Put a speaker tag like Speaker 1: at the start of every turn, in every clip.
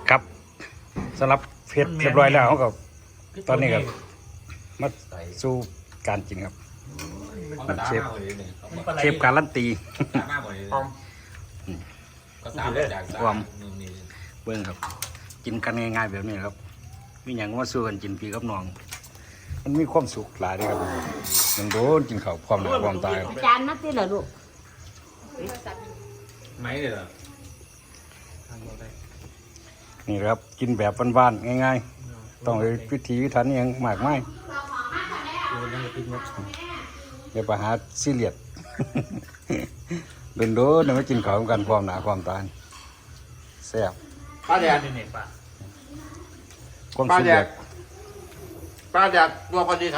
Speaker 1: ครับสำหรับเผ็ดเรียบร้อยแล้วก็ตอนนี้ก็มาสู่การกินครับเชฟการันตีความเบิ้งครับกินกันง่ายๆแบบนี้ครับมีอย่างว่าสู้กันกินพี่กับน้องมันมีความสุขหลายเลยครับมันโดนกินข้าวความหนาความตาย
Speaker 2: จานนัดที่เหรอลูก
Speaker 3: ไหมเลยเหรอ
Speaker 1: นี่ครับกินแบบบ้านๆง่ายๆต้องเลยพิธีพิถันอย่างมากมายเดี๋ยวไปหาซีเรียสโดนๆไม่กินข้าวกันความหนาความตายแซ่บ
Speaker 3: ป้าแดด
Speaker 1: ความ
Speaker 3: ป้า
Speaker 1: สุข
Speaker 3: แด
Speaker 1: แบ
Speaker 3: ด
Speaker 1: บ
Speaker 3: ป้าแดดตัวคนที่ท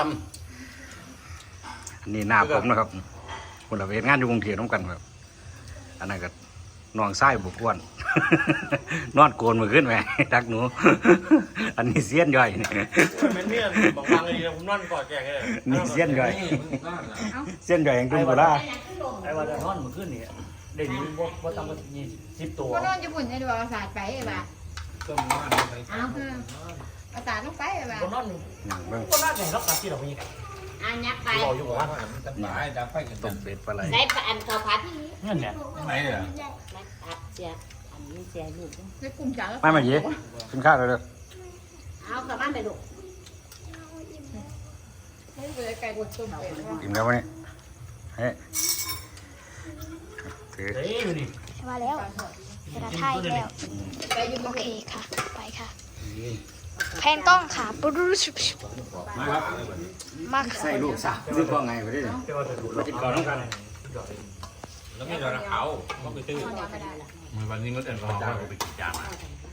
Speaker 1: อันนี้หน้าผมนะครับคนละเวทงานอยู่กรุงเทพน้ำกันครับอันนั้นก็นอนไส้บุกอ้วน นอนโกนมือขึ้นไหมดักหนู อันนี้เสี้ยนย่อยนี่
Speaker 4: มันเนี่ยบอกฟังเลยผมนอนกอดแกเลย
Speaker 1: นี่เสี้ยนย่อยเสี้ยนย่อยอย่างจุ่มกุลา
Speaker 4: ไอ้วันจะนอนมือขึ้นนี่เด็กนี้ว่าต้องมา20 ตัว
Speaker 2: ก็นอนญี่ปุ่นให้ดูเอาศาสตร์ไปไอ้บ้าเอาเอาศาสตร์ลงไปไอ้บ้า
Speaker 4: คนนอนคนน่าจะเห็นรับการที่เรามี
Speaker 2: อันยักไป
Speaker 4: เราอยู่ว่า
Speaker 1: ต้มเป็ดปลาไหล
Speaker 2: ได้อันข้าวผัดที่
Speaker 4: นั่นเนี่ย
Speaker 3: ไหมเลยเหรอ
Speaker 2: ไม่ผัดเสียอันนี้เสียลูกไม่กุ้งจ๋า
Speaker 1: ไม่มาเย่กินข้าวเลย
Speaker 2: เอากลับบ้านไปลูกไม่เลยไก่บดต้มเป็ด
Speaker 1: กินแล้ววันนี้เฮ้ย
Speaker 5: มาแล้วเวลาถ่ายแล้วโอเคค่ะไปค่ะแพนกล้องค่ะปุ๊บมา
Speaker 1: ใส่ลูกสาวซื้อพ่อไงไปดิกินก่อนต้องกัน
Speaker 3: แล้วไม่โดนเขาต้องไปตื้อวันนี้ก็เดินเขาไปกินจานมา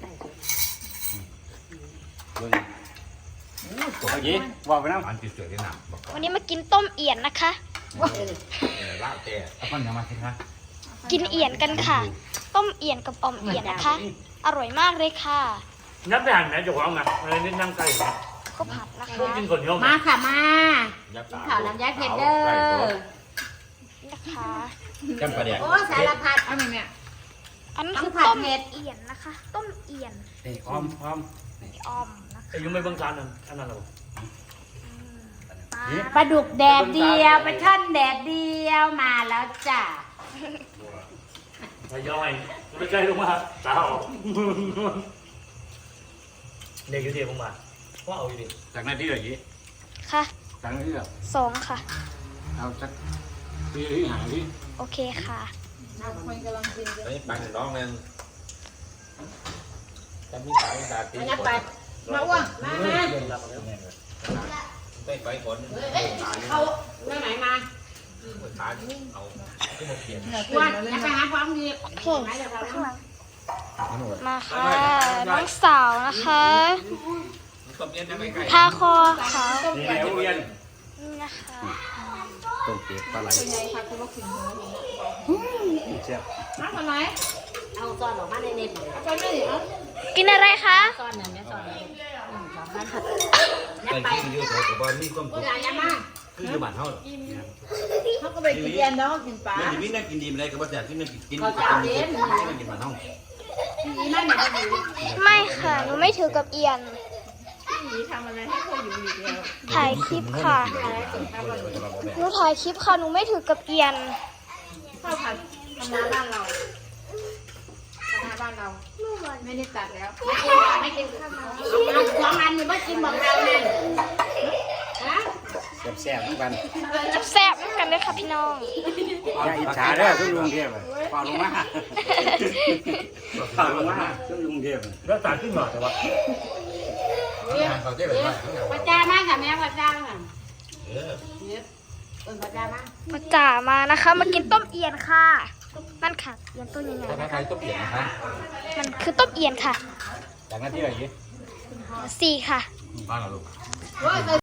Speaker 1: เมื่อกี้ว่าไปน้ำ
Speaker 3: อันติดเสือที่หนัก
Speaker 5: วันนี้มากินต้มเอี่ยนนะคะ
Speaker 3: ลาบแต่เอาคนยังมาสิคะ
Speaker 5: กินเอี่ยนกันค่ะต้มเอี่ยนกับอ่อมเอี่ยนนะคะอร่อยมากเลยค่ะ
Speaker 4: นับได้หันไหนจะวางนะอะไรนี่นั่งไก่
Speaker 5: ข้าวผัดนะคะ
Speaker 4: กินคนเดียว
Speaker 2: มาค่ะมากินข้าวลำไยเผ็ดเด้อ
Speaker 5: นะคะ
Speaker 3: จำประเดี๋ยว
Speaker 2: โอ้สารพัดเอาไหมเนี่ย
Speaker 5: อันนี้คือต้มเอี่ยนนะคะต้มเอี่ยน
Speaker 1: อ้อม
Speaker 5: อ่อมนะคะ
Speaker 4: อายุไม่บังคับนั่นอันนั้นหรอ
Speaker 2: ปลาดุกแดดเดียวปลาช่อนแดดเดียวมาแล้วจ้ะ
Speaker 4: ทยอยไม่ใช่ลงมาสาวเด็กอยู่ดีผมมาว่าเอาอยู่ดี
Speaker 3: จากนั้นที่ไหนยี่
Speaker 5: ค่ะ
Speaker 1: จากนั้นที่ไหน
Speaker 5: 2ค่ะ
Speaker 1: เอาจากที่หาที่
Speaker 5: โอเคค่ะ
Speaker 2: คนกำลังกิน
Speaker 3: ไปปังน้องนึงจะมีสายตาตี
Speaker 2: ไปมาอ้วนมา
Speaker 3: ไปฝน
Speaker 2: เอาเรื่องไหนมา
Speaker 3: ขาเอาขึ้นมาเขียน
Speaker 2: อ้วนจะไปหาความดี
Speaker 5: โอเคมาค่ะน้องสาวนะคะทาคอค่ะนี่นะคะ
Speaker 1: ต้มเป็ดปลาไหลเจ็บ
Speaker 2: มาทำไมเอาซอนออกมาในเน็ตเอาซอนไม่ดิเอา
Speaker 5: กินอะไรคะ
Speaker 2: ซอนเนี่ยซอน
Speaker 3: ไปกินเยอะเลยแต่ว่านี่ก็
Speaker 2: คืออะไรมา
Speaker 3: คืออยู่บ้านเขา
Speaker 2: เขาก็ไปกินเย็นเนาะกินปลา
Speaker 3: ไม่นั่งกินดีอะไรก็บ่แต่ที่นั่งกินบ้านเขา
Speaker 5: ไม่ค่ะหนูไม่ถือกับเอียน
Speaker 2: ทำอะไรให้เขาอยู่อีกแล้ว
Speaker 5: ถ่ายคลิปค่ะหนูถ่ายคลิปค่ะหนูไม่ถือกับเอียน
Speaker 2: ข้าวผัดธรรมดาบ้านเราธรรมดาบ้านเราไม่ได้ตัดแล้วไม่กินข้าวสองอันนี่ไม่กินบอกเราเลย
Speaker 1: แซ่บๆทุกกัน
Speaker 5: แซ่บๆกันเลยค่ะพี่น้อง
Speaker 1: อย่าอิจฉาเด้อทุกลุงเทพฝ่าลงมาฝ่าลงมาทุกลุงเทพ
Speaker 4: แล้วสารขึ้นหน่อยแต่ว่า
Speaker 2: พระเจ้ามากค่ะแม่พระเจ้าค่ะพระเจ้ามาก
Speaker 5: มาจ่ามานะคะมากินต้มเอียนค่ะนั่นค่ะเอียนต้มยังไง
Speaker 3: ใครต้มเอียนนะคะ
Speaker 5: มันคือต้มเอียนค่ะ
Speaker 1: จากนั้นที่ไหน
Speaker 5: 4ค่ะ
Speaker 3: บ้านเราลูก